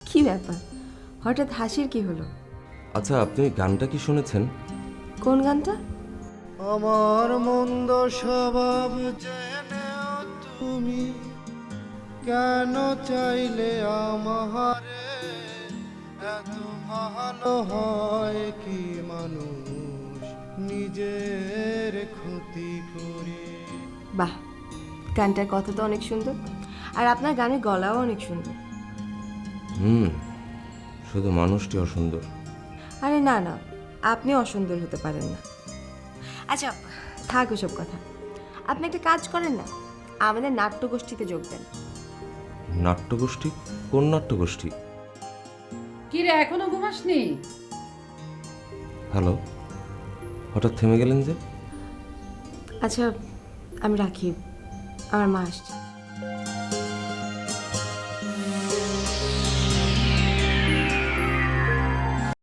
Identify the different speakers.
Speaker 1: কি ব্যাপার, হঠাৎ হাসির কি হলো?
Speaker 2: আচ্ছা, আপনি গানটা কি শুনেছেন?
Speaker 1: কোন গানটা?
Speaker 3: আমার মন্দ স্বভাব জেনেও তুমি কেন চাইলে আমারে, এত ভালো হয় কি মানুষ নিজের ক্ষতি করে।
Speaker 1: বাহ, গানটার কথা তো অনেক সুন্দর, আর আপনার গানের গলাও অনেক সুন্দর।
Speaker 2: শুধু মানুষটি অসুন্দর।
Speaker 1: আরে না না, আপনি অসুন্দর হতে পারেন না। আচ্ছা, থাক ওসব কথা। আপনি একটা কাজ করেন না, আমাদের নাট্যগোষ্ঠীতে যোগ দেন।
Speaker 2: নাট্যগোষ্ঠী? কোন নাট্যগোষ্ঠী?
Speaker 4: কি রে, এখনো ঘুমাসনি?
Speaker 2: হ্যালো, হঠাৎ থেমে গেলেন যে?
Speaker 1: আচ্ছা, আমি রাখি, আমার মা আসছে।